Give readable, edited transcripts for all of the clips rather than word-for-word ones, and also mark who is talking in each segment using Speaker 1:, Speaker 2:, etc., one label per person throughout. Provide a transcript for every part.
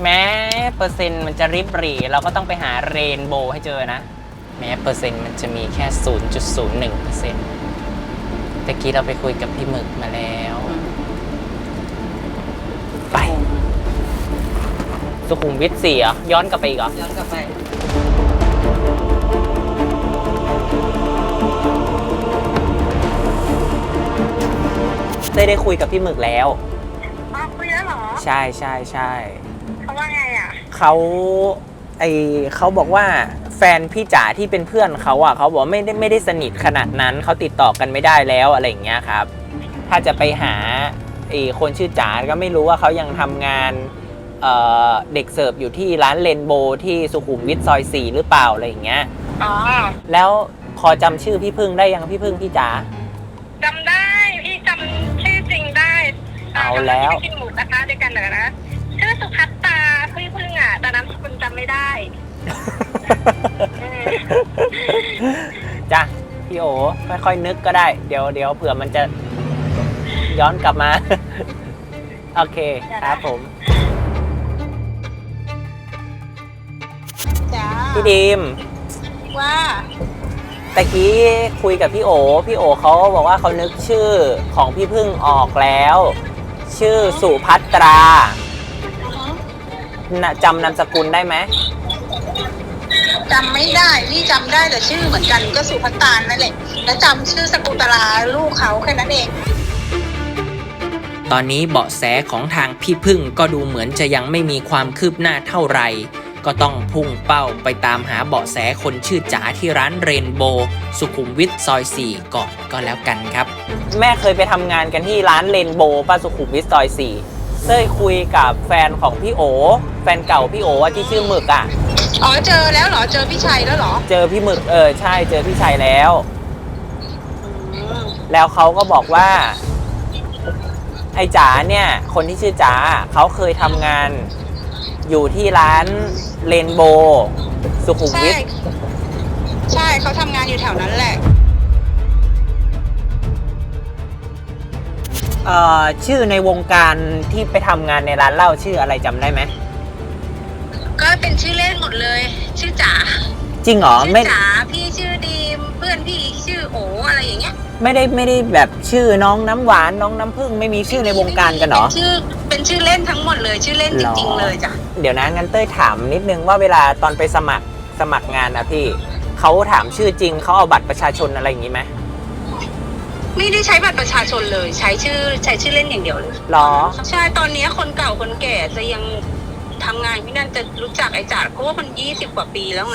Speaker 1: แม้เปอร์เซ็นต์มันจะริบหรี่เราก็ต้องไปหาเรนโบว์ให้เจอนะแม้เปอร์เซ็นต์มันจะมีแค่ 0.01% ตะกี้เราไปคุยกับพี่หมึกมาแล้วไปสุขุมวิท4เหรอย้อนกลับไปอีกเหรอ
Speaker 2: ย้อนกลับไป
Speaker 1: ได้คุยกับพี่หมึกแล้ว
Speaker 3: คุยแล้วเหรอ
Speaker 1: ใช่ใช่ใช่
Speaker 3: เขาว่าไงอ่ะ
Speaker 1: เขาบอกว่าแฟนพี่จ๋าที่เป็นเพื่อนเขาอ่ะเขาบอกไม่ได้สนิทขนาดนั้นเขาติดต่อกันไม่ได้แล้วอะไรอย่างเงี้ยครับถ้าจะไปหาคนชื่อจ๋าก็ไม่รู้ว่าเขายังทำงานเด็กเสิร์ฟอยู่ที่ร้านเรนโบว์ที่สุขุมวิทซอย4หรือเปล่าอะไรอย่างเงี้ย
Speaker 3: อ๋อ
Speaker 1: แล้วพอจำชื่อพี่พึ่งได้ยังพี่พึ่งพี่จ๋า
Speaker 3: จำได้พี่จำชื่อจริงได้
Speaker 1: เอาแล้ว
Speaker 3: กินหมูกระทะด้วยกันเหรอนะชื่อสุภัตตาพี่พึ่งอ่ะแต่นามสกุลจำไม่ได้
Speaker 1: จ้ะพี่โอค่อยๆนึกก็ได้เดี๋ยวเผื่อมันจะย้อนกลับมาโอเคครับผมพี่ดีม
Speaker 3: ว่า
Speaker 1: ตะกี้คุยกับพี่โอเขาบอกว่าเขานึกชื่อของพี่พึ่งออกแล้วชื่อสุภัตราจำนามสกุลได้ไหม
Speaker 2: จำไม่ได้พี่จำได้แต่ชื่อเหมือนกันก็สุภัตตานั่นแหละแล้วจำชื่อสกุลตราลูกเขาแค่นั้นเอง
Speaker 1: ตอนนี้เบาะแสของทางพี่พึ่งก็ดูเหมือนจะยังไม่มีความคืบหน้าเท่าไหร่ก็ต้องพุ่งเป้าไปตามหาเบาะแสคนชื่อจ๋าที่ร้านเรนโบว์สุขุมวิทซอย4ก่อนก็แล้วกันครับแม่เคยไปทำงานกันที่ร้านเรนโบว์ป้าสุขุมวิทซอย4เต้ยคุยกับแฟนของพี่โอแฟนเก่าพี่โอที่ชื่อหมึกอ่ะ
Speaker 2: อ๋อเจอแล้วเหรอเจอพี่ชัยแล้วเหรอ
Speaker 1: เจอพี่หมึกใช่เจอพี่ชัยแล้วเขาก็บอกว่าไอ้จ๋าเนี่ยคนที่ชื่อจ๋าเขาเคยทำงานอยู่ที่ร้านเรนโบว์สุขุมวิท
Speaker 2: ใช่เขาทำงานอยู่แถวนั้นแหละ
Speaker 1: ชื่อในวงการที่ไปทำงานในร้านเหล้าชื่ออะไรจำได้ไหม
Speaker 2: ก็เป็นชื่อเล่นหมดเลยชื่อจ๋า
Speaker 1: จริงเหรอ
Speaker 2: ไม่จ๋าพี่ชื่อดีมเพื่อนพี่ชื่อโออะไรอย่างเงี้ย
Speaker 1: ไม่ได้แบบชื่อน้องน้ำหวานน้องน้ำผึ้งไม่มีชื่อในวงการกันเหรอ
Speaker 2: เป็นชื่อเล่นทั้งหมดเลยชื่อเล่นจริงๆเลยจ้ะ
Speaker 1: เดี๋ยวนะงั้นเต้ยถามนิดนึงว่าเวลาตอนไปสมัครงานนะพี่เขาถามชื่อจริงเขาเอาบัตรประชาชนอะไรอย่างงี้ไหม
Speaker 2: ไม่ได้ใช้บัตรประชาชนเลยใช้ชื่อเล่นอย่างเดียวเลย
Speaker 1: หรอ
Speaker 2: ใช่ตอนนี้คนเก่าคนแก่จะยังทำงานที่นั่นจะรู้จักไอ้จ๋าเพราะว่ามัน20 กว่าปีแล้วไง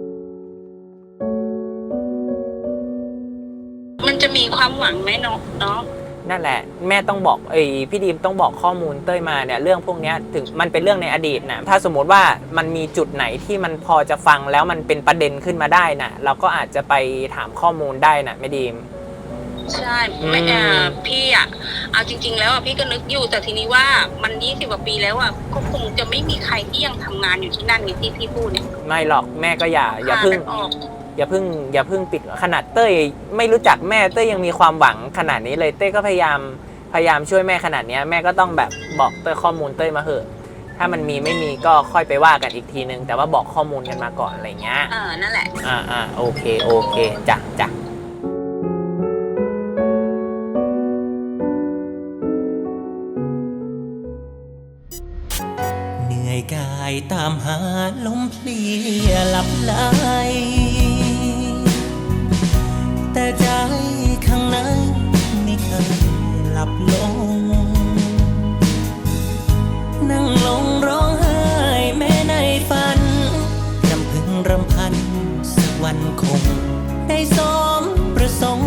Speaker 2: มันจะมีความหวังไหมเนาะ
Speaker 1: นั่นแหละแม่ต้องบอกพี่ดีมต้องบอกข้อมูลเต้ยมาเนี่ยเรื่องพวกนี้ถึงมันเป็นเรื่องในอดีตนะถ้าสมมติว่ามันมีจุดไหนที่มันพอจะฟังแล้วมันเป็นประเด็นขึ้นมาได้นะเราก็อาจจะไปถามข้อมูลได้นะแม่ดีม
Speaker 2: ใช่พี่อ่ะเอาจริงๆแล้วพี่ก็นึกอยู่แต่ทีนี้ว่ามัน20 กว่าปีแล้วอ่ะก็คงจะไม่มีใครที่ยังทำงานอยู่ที่นั่นอย่างที่พี่พูดเนี่ย
Speaker 1: ไม่หรอกแม่ก็อย่าเพิ่งปิดขนาดเต้ยไม่รู้จักแม่เต้ยยังมีความหวังขนาดนี้เลยเต้ยก็พยายามช่วยแม่ขนาดนี้แม่ก็ต้องแบบบอกเต้ยข้อมูลเต้ยมาเหอะถ้ามันมีไม่มีก็ค่อยไปว่ากันอีกทีนึงแต่ว่าบอกข้อมูลกันมาก่อนอะไรเงี้ย
Speaker 2: นั่นแหละ
Speaker 1: โอเคจ้ะเหนื่อยกายตามหาลมเพลียหลับไหลแต่ใจข้างในไม่เคยหลับลงนั่งลงร้องไห้แม้ในฝันรำพึงรำพันสักวันคงได้สมประสงค์